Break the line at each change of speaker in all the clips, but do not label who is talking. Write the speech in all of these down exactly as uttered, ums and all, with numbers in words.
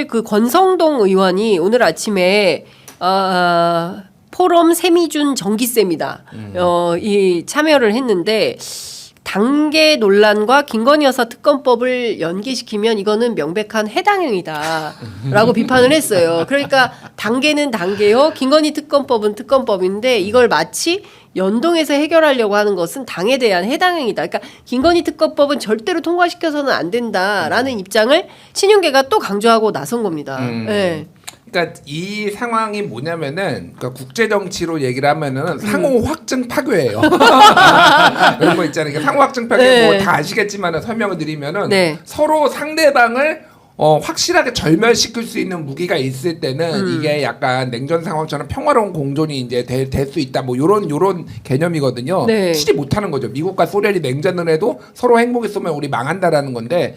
사실 그 권성동 의원이 오늘 아침에 어, 포럼 세미준 정기쌤이다. 음. 어, 이 참여를 했는데 단계 논란과 김건희 여사 특검법을 연계시키면 이거는 명백한 해당행위다라고 비판을 했어요. 그러니까 단계는 단계요, 김건희 특검법은 특검법인데 이걸 마치 연동해서 해결하려고 하는 것은 당에 대한 해당행위다. 그러니까 김건희 특검법은 절대로 통과시켜서는 안 된다라는 입장을 친윤계가 또 강조하고 나선 겁니다.
음.
네.
그러니까 이 상황이 뭐냐면은 그러니까 국제 정치로 얘기를 하면은 상호 확증 파괴예요. 그런 거 있잖아요. 그러니까 상호 확증 파괴
네.
뭐 다 아시겠지만은 설명을 드리면은
네.
서로 상대방을 어, 확실하게 절멸시킬 수 있는 무기가 있을 때는
음.
이게 약간 냉전 상황처럼 평화로운 공존이 이제 될 수 있다. 뭐 요런 요런 개념이거든요.
네.
치지 못하는 거죠. 미국과 소련이 냉전을 해도 서로 행복이 쏘면 우리 망한다라는 건데.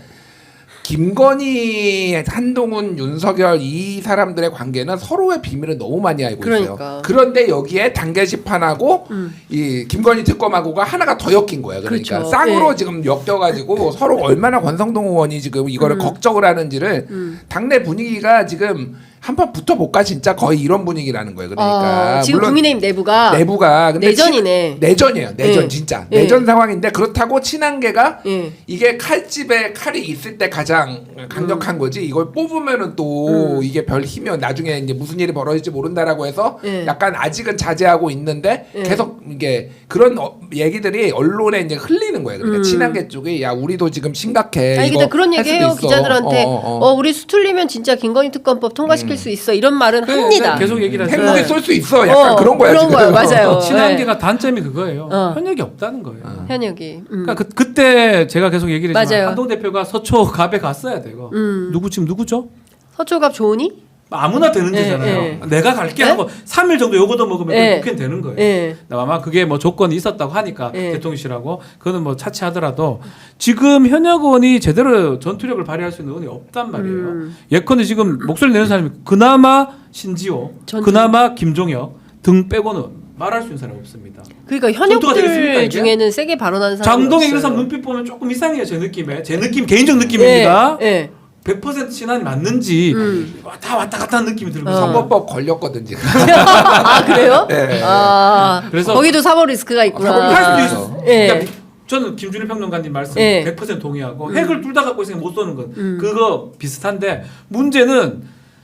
김건희, 한동훈, 윤석열 이 사람들의 관계는 서로의 비밀을 너무 많이 알고
그러니까.
있어요. 그런데 여기에 단계 시판하고
음.
이 김건희 특검하고가 하나가 더 엮인 거예요. 그러니까
그렇죠.
쌍으로
네.
지금 엮여가지고 서로 얼마나 권성동 의원이 지금 이거를
음.
걱정을 하는지를
음.
당내 분위기가 지금 한판 붙어볼까 진짜 거의 이런 분위기라는 거예요. 그러니까
어, 지금
물론
국민의힘 내부가
내부가 근데
내전이네.
친, 내전이에요. 내전
네.
진짜
네.
내전 상황인데 그렇다고 친한계가
예.
이게 칼집에 칼이 있을 때 가장 강력한
음.
거지. 이걸 뽑으면은 또
음.
이게 별 힘이 나중에 이제 무슨 일이 벌어질지 모른다라고 해서
예.
약간 아직은 자제하고 있는데
예.
계속 이게 그런 어, 얘기들이 언론에 이제 흘리는 거예요. 그러니까
음.
친한계 쪽이 야 우리도 지금 심각해.
아니
이거
근데 그런
할
얘기
수도
해요
있어.
기자들한테.
어,
어,
어, 어.
우리 수틀리면 진짜 김건희 특검법 통과시킬
음.
수 있어 이런 말은
네,
합니다.
네, 계속 얘기를 하죠.
핵무기
네.
쏠 수 있어. 약간
어,
그런 거야
그런
지금.
거예요. 맞아요.
친한계가 단점이 그거예요.
어.
현역이 없다는 거예요.
현역이. 음.
그러니까 그, 그때 제가 계속 얘기를 했지만
맞아요.
한동 대표가 서초 갑에 갔어야 되고
음.
누구 지금 누구죠?
서초갑 좋으니?
아무나 되는
예,
데잖아요.
예.
내가 갈게
네?
하고 삼 일 정도 요거도 먹으면
예.
국회는 되는 거예요.
예.
아마 그게 뭐 조건이 있었다고 하니까
예.
대통령실하고 그거는 뭐 차치하더라도 지금 현역 의원이 제대로 전투력을 발휘할 수 있는 의원이 없단 말이에요.
음.
예컨대 지금 목소리 내는 사람이 그나마 신지호,
전투-
그나마 김종혁 등 빼고는 말할 수 있는 사람이 없습니다.
그러니까
전투가 되겠습니까,
현역들
이게?
중에는 세게 발언하는 사람이
장동혁
없어요.
이런 사람 눈빛 보면 조금 이상해요. 제 느낌에. 제 느낌 개인적 느낌입니다.
예. 예.
백 퍼센트 친한이 맞는지
음.
다 왔다 갔다 하는 느낌이 들고
어.
선거법 걸렸거든 지금.
아 그래요?
네.
아
그래서-
거기도 사법 리스크가 있구나.
사법
할
리스크.
수도 있어.
예.
그러니까 저는 김준일 평론가님 말씀
예.
백 퍼센트 동의하고
음.
핵을 둘 다 갖고 있으면 못 쏘는 건
음.
그거 비슷한데 문제는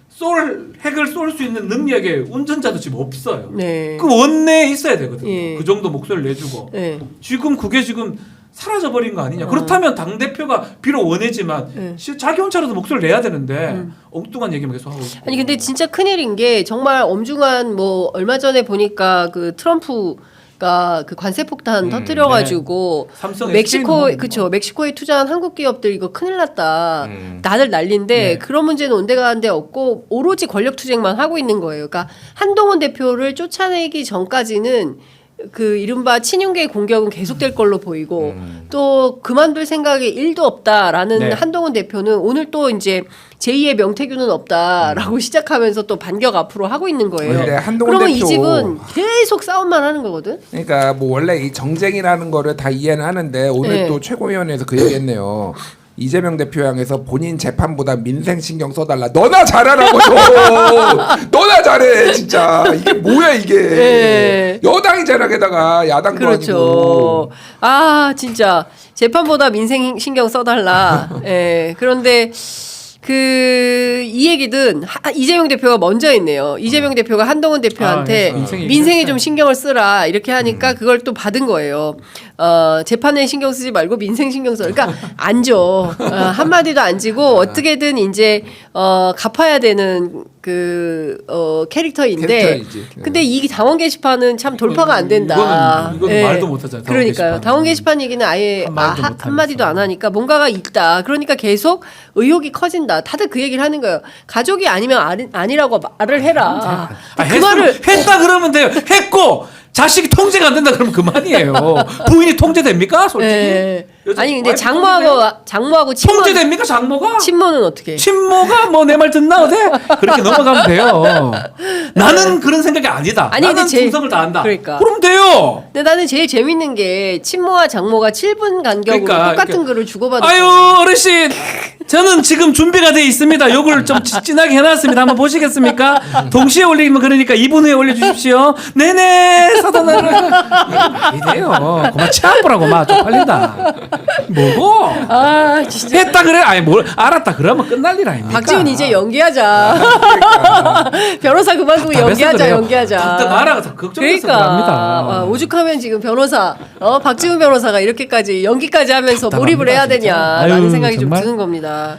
쏠 핵을 쏠 수 있는 능력의 운전자도 지금 없어요.
네.
그 원내에 있어야 되거든요.
예.
그 정도 목소리를 내주고
예.
지금 그게 지금 사라져버린 거 아니냐.
어.
그렇다면 당 대표가 비록 원해지만
예.
시- 자기 혼자라도 목소리를 내야 되는데
음.
엉뚱한 얘기만 계속 하고 있고.
아니 근데 진짜 큰일인 게 정말 엄중한 뭐 얼마 전에 보니까 그 트럼프가 그 관세 폭탄
음,
터뜨려가지고
삼성
멕시코
에스케이는
그쵸 멕시코에 투자한 한국 기업들 이거 큰일 났다.
음.
다들 난리인데
네.
그런 문제는 온데간데 없고 오로지 권력 투쟁만 하고 있는 거예요. 그러니까 한동훈 대표를 쫓아내기 전까지는 그 이른바 친윤계의 공격은 계속될 걸로 보이고
음.
또 그만둘 생각이 일도 없다라는
네.
한동훈 대표는 오늘 또 이제 제이의 명태균은 없다라고 시작하면서 또 반격 앞으로 하고 있는 거예요.
근데 한동훈
그러면 이
대표-
집은 계속 싸움만 하는 거거든.
그러니까 뭐 원래 이 정쟁이라는 거를 다 이해는 하는데 오늘
네.
또 최고위원회에서 그 얘기했네요. 이재명 대표 향해서 본인 재판보다 민생 신경 써달라. 너나 잘하라고 좀. 너나 잘해 진짜. 이게 뭐야 이게.
네.
여당이 잘하게다가 야당도
그렇죠.
아니고.
아 진짜 재판보다 민생 신경 써달라. 예. 그런데 그 이 얘기든 하, 이재명 대표가 먼저 했네요. 이재명 대표가 한동훈 대표한테
아, 민생
민생에
얘기를
좀 신경을 쓰라 이렇게 하니까 그걸 또 받은 거예요. 어, 재판에 신경 쓰지 말고 민생 신경 써. 그러니까 안 줘. 어, 한마디도 안 지고 어떻게든 이제 어, 갚아야 되는 그 어, 캐릭터인데.
캐릭터이지.
근데 이 당원 게시판은 참 돌파가 안 된다.
이거는, 이거는
예.
말도 못하잖아요. 당원
그러니까요.
게시판은.
당원 게시판 얘기는 아예
한 마디도
아,
못
한 마디도 안 하니까 뭔가가 있다. 그러니까 계속 의혹이 커진다. 다들 그 얘기를 하는 거예요. 가족이 아니면 아니, 아니라고 말을 해라.
아,
그
했으면-
말을
했다 그러면 돼요. 했고 자식이 통제가 안 된다 그러면 그만이에요. 부인이 통제됩니까? 솔직히.
예.
여자
아니 근데
와이프
장모하고 장모하고 친모
통제됩니까 장모가?
친모는 어떻게?
친모가 뭐 내 말 듣나 어때? 그렇게 넘어가면 돼요. 나는 그런 생각이 아니다.
아니, 근데
나는
제-
충성을 다한다.
그러니까.
그럼 돼요.
근데 나는 제일 재밌는 게 친모와 장모가 칠 분 간격으로
그러니까,
똑같은
그러니까.
글을 주고받았어요.
아유 어르신 저는 지금 준비가 돼 있습니다. 요걸 좀 지- 진하게 해놨습니다. 한번 보시겠습니까? 동시에 올리면 그러니까 이 분 후에 올려주십시오. 네네 사단아를 이래요. 그만 치아보라고 마 쪽팔린다. 뭐고?
아 진짜.
했다 그래? 아니 뭘 알았다 그러면 끝날 일 아닙니까?
박지훈 이제 연기하자. 변호사 그만두고
답답해서
연기하자,
그래요.
연기하자.
답답 말아가 더 걱정돼서
그러니까
그럽니다.
아, 오죽하면 지금 변호사, 어 박지훈 변호사가 이렇게까지 연기까지 하면서
답답합니다,
몰입을 해야
진짜.
되냐라는
아유,
생각이
정말.
좀 드는 겁니다.